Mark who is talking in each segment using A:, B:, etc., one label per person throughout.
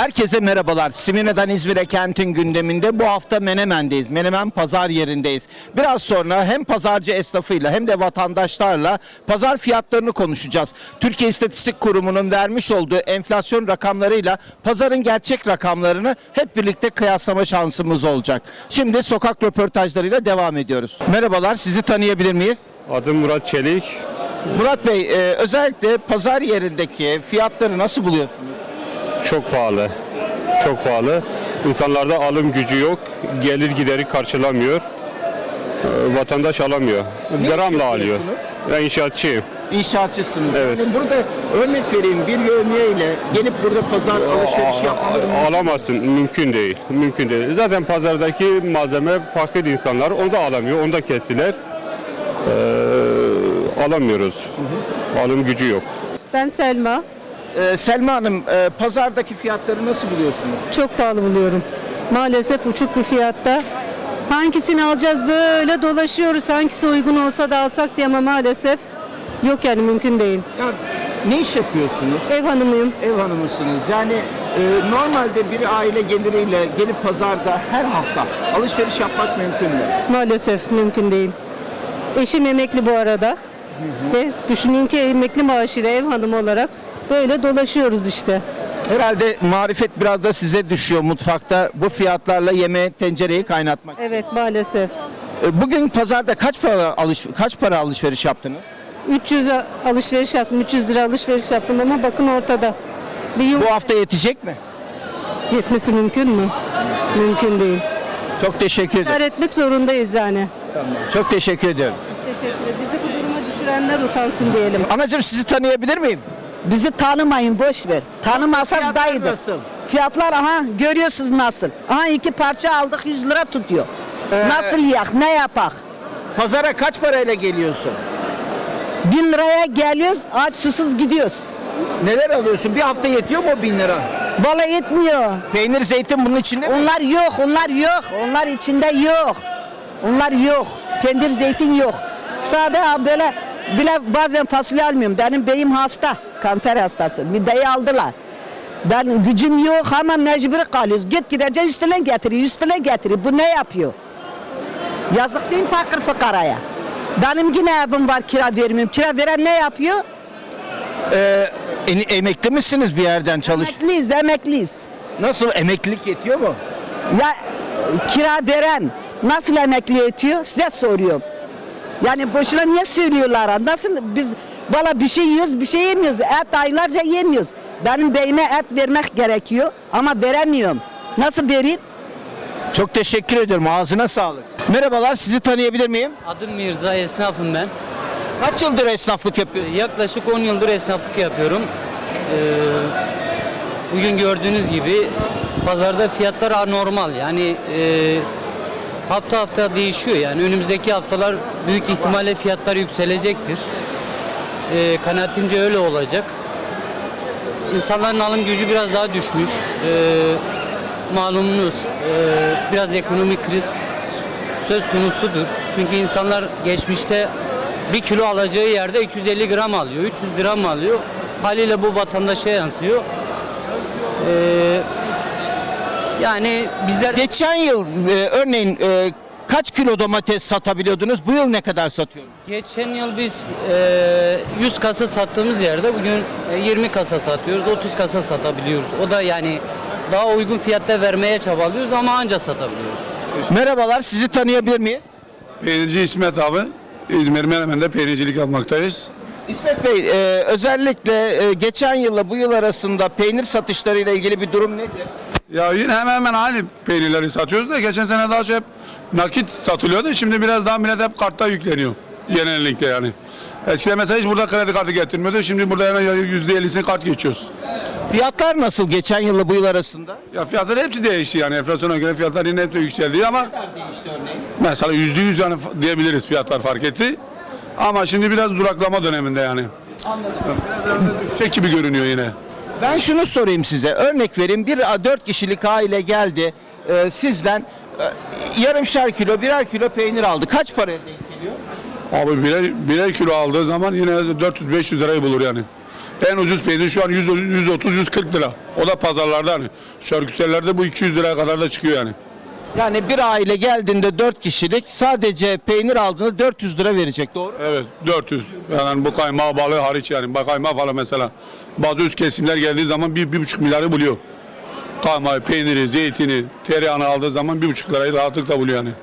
A: Herkese merhabalar. Simirna'dan İzmir'e kentin gündeminde bu hafta Menemen'deyiz. Menemen pazar yerindeyiz. Biraz sonra hem pazarcı esnafıyla hem de vatandaşlarla pazar fiyatlarını konuşacağız. Türkiye İstatistik Kurumu'nun vermiş olduğu enflasyon rakamlarıyla pazarın gerçek rakamlarını hep birlikte kıyaslama şansımız olacak. Şimdi sokak röportajlarıyla devam ediyoruz. Merhabalar, sizi tanıyabilir miyiz?
B: Adım Murat Çelik.
A: Murat Bey, özellikle pazar yerindeki fiyatları nasıl buluyorsunuz?
B: Çok pahalı. Çok pahalı. İnsanlarda alım gücü yok. Gelir gideri karşılamıyor. Vatandaş alamıyor.
A: Ne iş
B: Gramla alıyor.
A: yapıyorsunuz?
B: Ben inşaatçıyım.
A: İnşaatçısınız.
B: Evet.
A: Yani burada örnek vereyim, bir yevmiye ile gelip burada pazar alışveriş yapmaları
B: Alamazsın. Mümkün değil. Mümkün değil. Zaten pazardaki malzeme fakir insanlar. Onu da alamıyor. Onu da kestiler. Alamıyoruz. Alım gücü yok.
C: Ben Selma.
A: Selma Hanım, pazardaki fiyatları nasıl buluyorsunuz?
C: Çok pahalı buluyorum. Maalesef uçuk bir fiyatta. Hangisini alacağız böyle dolaşıyoruz. Hangisi uygun olsa da alsak diye ama maalesef yok yani mümkün değil.
A: Ya, ne iş yapıyorsunuz?
C: Ev hanımıyım.
A: Ev hanımısınız. Yani normalde bir aile geliriyle gelip pazarda her hafta alışveriş yapmak mümkün mü?
C: Maalesef mümkün değil. Eşim emekli bu arada. Ve düşünün ki emekli maaşıyla ev hanımı olarak böyle dolaşıyoruz işte.
A: Herhalde marifet biraz da size düşüyor mutfakta bu fiyatlarla yemeği, tencereyi kaynatmak.
C: Evet maalesef.
A: Bugün pazarda kaç para alışveriş yaptınız?
C: 300 alışveriş yaptım. 300 lira alışveriş yaptım ama bakın ortada. Bir
A: Bu hafta yetecek mi?
C: yetmesi mümkün mü? Mümkün değil.
A: Çok teşekkür ederim.
C: İdare etmek zorundayız yani.
A: Çok teşekkür ediyorum.
C: Biz teşekkür ederiz. Bizi bu duruma düşürenler utansın diyelim.
A: Anacığım, sizi tanıyabilir miyim?
D: Bizi tanımayın, boş ver. Tanımazsaz
A: Fiyatlar
D: dayıdır.
A: nasıl?
D: Fiyatlar aha görüyorsunuz nasıl. Aha 2 parça aldık 100 lira tutuyor. Nasıl yak, ne yapak?
A: Pazara kaç parayla geliyorsun?
D: 1000 liraya geliyoruz, aç susuz gidiyoruz.
A: Neler alıyorsun? Bir hafta yetiyor mu o 1000 lira?
D: Vallahi yetmiyor.
A: Peynir, zeytin bunun içinde mi?
D: Onlar yok, onlar yok. Onlar içinde yok. Onlar yok. Peynir, zeytin yok. Sadece böyle bile bazen fasulye almıyorum. Benim beyim hasta, kanser hastası. Mideyi aldılar. Ben gücüm yok ama mecbur kalıyoruz. Git gideceğiz üstüne getiriyor, üstüne getiriyor. Bu ne yapıyor? Yazık değil fakir fukaraya. Benim yine evim var, kira vermiyorum. Kira veren ne yapıyor?
A: Emekli misiniz bir yerden
D: Emekliyiz, emekliyiz.
A: Nasıl, emeklilik yetiyor mu?
D: Ya kira veren nasıl emekli ediyor size soruyorum. Yani boşuna niye söylüyorlar? Nasıl biz valla bir şey yiyoruz, bir şey yemiyoruz. Et aylarca yemiyoruz. Benim beyime et vermek gerekiyor ama veremiyorum. Nasıl vereyim?
A: Çok teşekkür ediyorum. Ağzına sağlık. Merhabalar, sizi tanıyabilir miyim?
E: Adım Mirza, esnafım ben.
A: Kaç yıldır esnaflık yapıyorsunuz?
E: Yaklaşık 10 yıldır esnaflık yapıyorum. Bugün gördüğünüz gibi pazarda fiyatlar anormal. Yani hafta hafta değişiyor. Yani önümüzdeki haftalar büyük ihtimalle fiyatlar yükselecektir. Kanaatimce öyle olacak. İnsanların alım gücü biraz daha düşmüş. Malumunuz biraz ekonomik kriz söz konusudur. Çünkü insanlar geçmişte 1 kilo alacağı yerde 250 gram alıyor, 300 gram alıyor. Haliyle bu vatandaşa yansıyor. Yani bizler
A: Geçen yıl örneğin kaç kilo domates satabiliyordunuz? Bu yıl ne kadar satıyorsunuz?
E: geçen yıl biz 100 kasa sattığımız yerde bugün 20 kasa satıyoruz, 30 kasa satabiliyoruz. O da yani daha uygun fiyatta vermeye çabalıyoruz ama anca satabiliyoruz.
A: Merhabalar, sizi tanıyabilir miyiz?
F: Peynirci İsmet abi. İzmir Menemen'de peynircilik yapmaktayız.
A: İsmet Bey, özellikle geçen yılla bu yıl arasında peynir satışlarıyla ilgili bir durum nedir?
F: Ya yine hemen hemen aynı peynirleri satıyoruz da geçen sene daha çok hep nakit satılıyordu. Şimdi biraz daha millet hep kartta yükleniyor. Genellikle yani. Eskiden mesela hiç burada kredi kartı getirmiyordu. Şimdi burada hemen %50'sini kart geçiyoruz.
A: Fiyatlar nasıl geçen yılla bu yıl arasında?
F: Ya fiyatlar hepsi değişti yani. Enflasyona göre fiyatlar yine hepsi yükseldi ama
A: Değişti örneğin.
F: mesela %100 yani diyebiliriz fiyatlar fark etti. Ama şimdi biraz duraklama döneminde yani. Anladım. Düşecek gibi görünüyor yine.
A: Ben şunu sorayım size. Örnek vereyim. 4 kişilik aile geldi. Sizden yarımşar kilo, birer kilo peynir aldı. Kaç paraya denk geliyor?
F: Abi birer kilo aldığı zaman yine 400-500 lirayı bulur yani. En ucuz peynir şu an 130-140 lira. O da pazarlarda hani. Şarküterilerde bu 200 liraya kadar da çıkıyor yani.
A: Yani bir aile geldiğinde 4 kişilik sadece peynir aldığında 400 lira verecek, doğru?
F: Evet 400. Yani bu kaymağı balığı hariç yani. Bak kaymağı falan mesela. Bazı üst kesimler geldiği zaman 1,5 milyarı buluyor. Kaymağı, peyniri, zeytini, tereyağını aldığı zaman 1,5 lirayı rahatlıkla buluyor yani.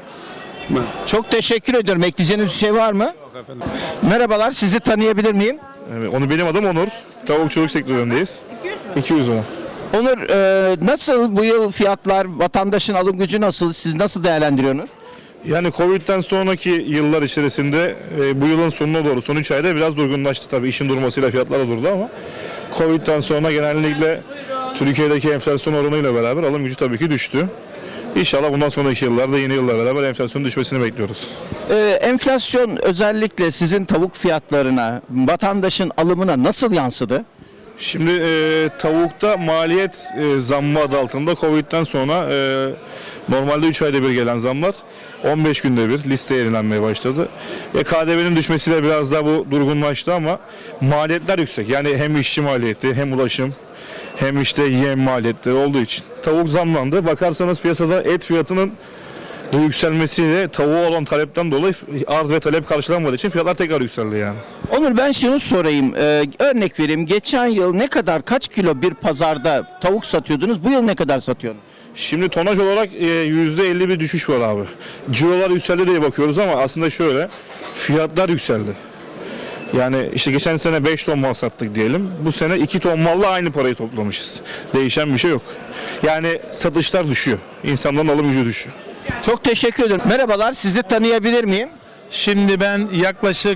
A: Çok teşekkür ediyorum. Ekleyeceğiniz bir şey var mı?
F: Yok efendim.
A: Merhabalar, sizi tanıyabilir miyim?
G: Evet, onu benim adım Onur. Tavukçuluk sektöründeyiz. 200 lira.
A: Onur, nasıl bu yıl fiyatlar, vatandaşın alım gücü nasıl? Siz nasıl değerlendiriyorsunuz?
G: Yani Covid'den sonraki yıllar içerisinde bu yılın sonuna doğru son 3 ayda biraz durgunlaştı tabii. İşin durmasıyla fiyatlar da durdu ama Covid'den sonra genellikle Türkiye'deki enflasyon oranıyla beraber alım gücü tabii ki düştü. İnşallah bundan sonraki yıllarda yeni yılla beraber enflasyonun düşmesini bekliyoruz.
A: Enflasyon özellikle sizin tavuk fiyatlarına, vatandaşın alımına nasıl yansıdı?
G: Şimdi tavukta maliyet zammı adı altında Covid'den sonra normalde 3 ayda bir gelen zamlar 15 günde bir listeye yenilenmeye başladı. KDV'nin düşmesiyle biraz daha bu durgunlaştı ama maliyetler yüksek. Yani hem işçi maliyeti hem ulaşım hem işte yem maliyetleri olduğu için tavuk zamlandı. Bakarsanız piyasada et fiyatının da yükselmesiyle tavuğa olan talepten dolayı arz ve talep karşılanmadığı için fiyatlar tekrar yükseldi yani.
A: Onur, ben şunu sorayım. Örnek vereyim. Geçen yıl kaç kilo bir pazarda tavuk satıyordunuz? Bu yıl ne kadar satıyorsunuz?
G: Şimdi tonaj olarak %50 bir düşüş var abi. Cirolar yükseldi diye bakıyoruz ama aslında şöyle fiyatlar yükseldi. Yani işte geçen sene 5 ton mal sattık diyelim. Bu sene 2 ton malla aynı parayı toplamışız. Değişen bir şey yok. Yani satışlar düşüyor. İnsanların alım gücü düşüyor.
A: Çok teşekkür ederim. Merhabalar, sizi tanıyabilir miyim?
H: Şimdi ben yaklaşık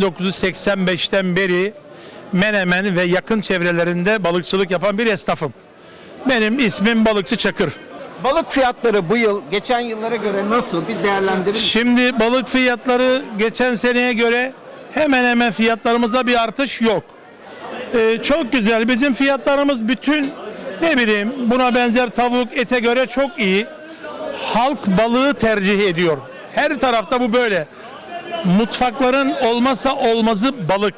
H: 1985'ten beri Menemen ve yakın çevrelerinde balıkçılık yapan bir esnafım. Benim ismim Balıkçı Çakır.
A: Balık fiyatları bu yıl geçen yıllara göre nasıl, bir değerlendirin?
H: Şimdi balık fiyatları geçen seneye göre hemen hemen fiyatlarımızda bir artış yok. Çok güzel. Bizim fiyatlarımız bütün buna benzer tavuk, ete göre çok iyi. Halk balığı tercih ediyor. Her tarafta bu böyle. Mutfakların olmazsa olmazı balık.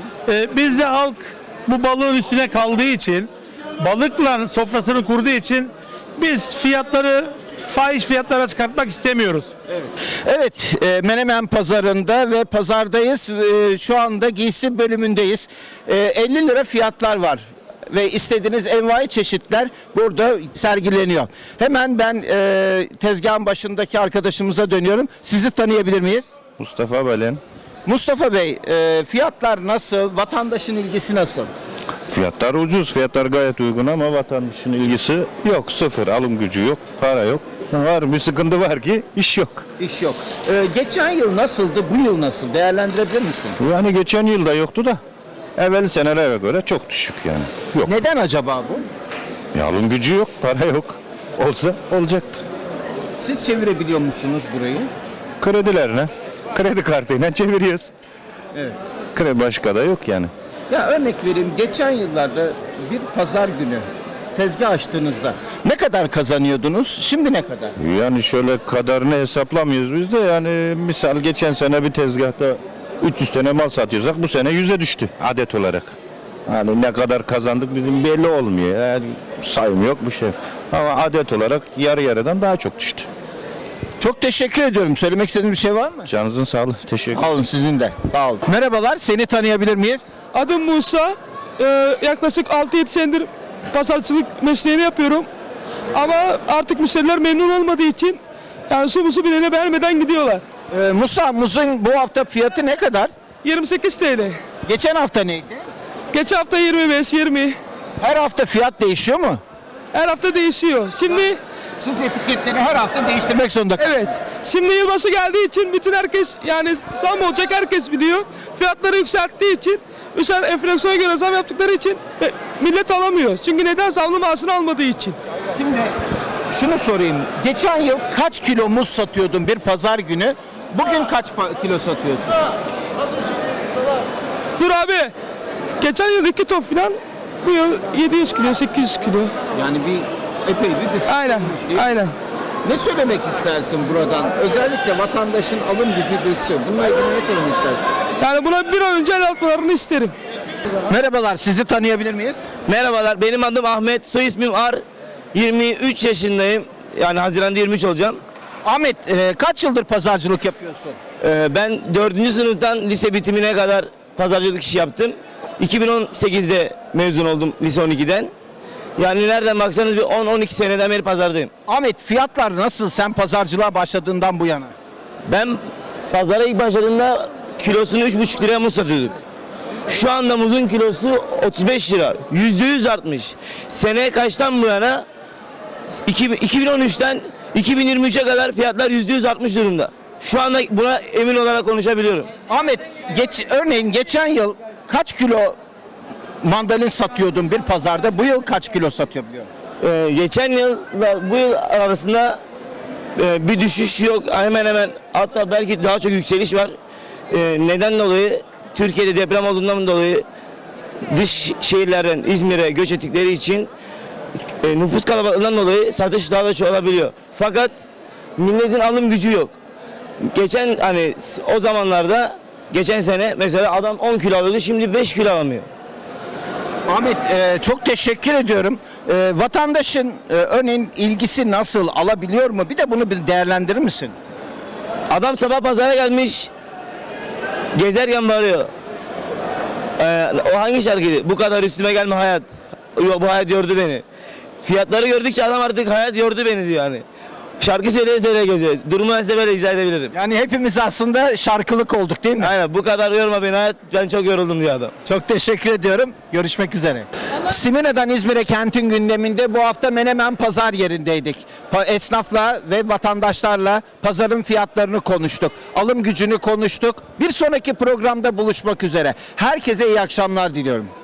H: Bizde halk bu balığın üstüne kaldığı için, balıkla sofrasını kurduğu için biz fiyatları fahiş fiyatlara çıkartmak istemiyoruz.
A: Evet, Menemen pazarında ve pazardayız. Şu anda giysi bölümündeyiz. 50 lira fiyatlar var ve istediğiniz envai çeşitler burada sergileniyor. Hemen ben tezgahın başındaki arkadaşımıza dönüyorum. Sizi tanıyabilir miyiz?
I: Mustafa Belen.
A: Mustafa Bey, fiyatlar nasıl? Vatandaşın ilgisi nasıl?
I: Fiyatlar ucuz, fiyatlar gayet uygun ama vatandaşın ilgisi yok, sıfır, alım gücü yok, para yok. Var bir sıkıntı var ki iş yok.
A: İş yok. Geçen yıl nasıldı, bu yıl nasıl? Değerlendirebilir misin?
I: Yani geçen yılda yoktu da evvel senelere göre çok düşük yani. Yok.
A: Neden acaba bu?
I: Ya alım gücü yok, para yok. Olsa olacaktı.
A: Siz çevirebiliyor musunuz burayı?
I: Kredilerine, kredi kartıyla çeviriyoruz.
A: Evet.
I: Kredi başka da yok yani.
A: Ya örnek vereyim, geçen yıllarda bir pazar günü tezgah açtığınızda ne kadar kazanıyordunuz? Şimdi ne kadar?
I: Yani şöyle kadarını hesaplamıyoruz biz de yani misal geçen sene bir tezgahta 300 tane mal satıyorsak bu sene 100'e düştü adet olarak. Hani ne kadar kazandık bizim belli olmuyor. Yani sayım yok bir şey. Ama adet olarak yarı yarıdan daha çok düştü.
A: Çok teşekkür ediyorum. Söylemek istediğiniz bir şey var mı?
I: Canınızın sağlığı. Teşekkür
A: Sağ olun, sizin de. Sağ olun. Merhabalar, seni tanıyabilir miyiz?
J: Adım Musa. Yaklaşık 6-7 senedir pazarcılık mesleğini yapıyorum. Ama artık müşteriler memnun olmadığı için yani su musu bilene vermeden gidiyorlar.
A: Musa, muzun bu hafta fiyatı ne kadar?
J: 28 TL.
A: Geçen hafta neydi?
J: Geçen hafta 25, 20.
A: Her hafta fiyat değişiyor mu?
J: Her hafta değişiyor. Şimdi
A: Siz etiketleri her hafta değiştirmek zorunda
J: evet. Şimdi yılbaşı geldiği için bütün herkes yani zam olacak herkes biliyor. Fiyatları yükselttiği için enflasyona göre zam yaptıkları için millet alamıyor. Çünkü neden zamlı maaşını almadığı için.
A: Şimdi şunu sorayım. Geçen yıl kaç kilo muz satıyordun bir pazar günü? Bugün kaç kilo satıyorsun?
J: Dur abi. Geçen yıl 2 ton falan, bu yıl 700 kilo, 800 kilo.
A: Yani epey bir düşüş
J: Aynen,
A: olmuş değil mi?
J: aynen.
A: Ne söylemek istersin buradan? Özellikle vatandaşın alım gücü düştü. Bununla ilgili ne söylemek istersin?
J: Yani buna bir an önce el atmalarını isterim.
A: Merhabalar, sizi tanıyabilir miyiz?
K: Merhabalar, benim adım Ahmet, soy ismim Ar. 23 yaşındayım. Yani Haziran'da 23 olacağım.
A: Ahmet, kaç yıldır pazarcılık yapıyorsun?
K: Ben 4. sınıftan lise bitimine kadar pazarcılık işi yaptım. 2018'de mezun oldum lise 12'den. Yani nereden baksanız bir 10-12 seneden beri pazardayım.
A: Ahmet, fiyatlar nasıl sen pazarcılığa başladığından bu yana?
K: Ben pazara ilk başladığımda kilosunu 3,5 liraya muz satıyorduk. Şu anda muzun kilosu 35 lira. %100 artmış. Seneye kaçtan bu yana 2013'ten 2023'e kadar fiyatlar %100 artmış durumda. Şu anda buna emin olarak konuşabiliyorum.
A: Ahmet, örneğin geçen yıl kaç kilo mandalin satıyordun bir pazarda? Bu yıl kaç kilo satıyor biliyor musun?
K: Geçen yılla bu yıl arasında bir düşüş yok. Hemen hemen hatta belki daha çok yükseliş var. Neden dolayı? Türkiye'de deprem olduğundan dolayı dış şehirlerden İzmir'e göç ettikleri için nüfus kalabalığından dolayı satış daha da çok olabiliyor. Fakat milletin alım gücü yok. Geçen hani o zamanlarda geçen sene mesela adam 10 kilo alıyordu, şimdi 5 kilo alamıyor.
A: Ahmet, çok teşekkür ediyorum. Vatandaşın örneğin ilgisi nasıl, alabiliyor mu? Bir de bunu bir değerlendirir misin?
K: Adam sabah pazara gelmiş, gezerken bağırıyor. O hangi şarkıydı? Bu kadar üstüme gelme hayat. Yok, bu hayat yordu beni. Fiyatları gördükçe adam artık hayat yordu beni diyor yani. Şarkı söyleye söyleye geziyor. Durumu ben size böyle izah edebilirim.
A: Yani hepimiz aslında şarkılık olduk değil mi?
K: Aynen, bu kadar yorma beni hayat, ben çok yoruldum diyor adam.
A: Çok teşekkür ediyorum. Görüşmek üzere. Simirna'dan İzmir'e kentin gündeminde bu hafta Menemen pazar yerindeydik. Esnafla ve vatandaşlarla pazarın fiyatlarını konuştuk. Alım gücünü konuştuk. Bir sonraki programda buluşmak üzere. Herkese iyi akşamlar diliyorum.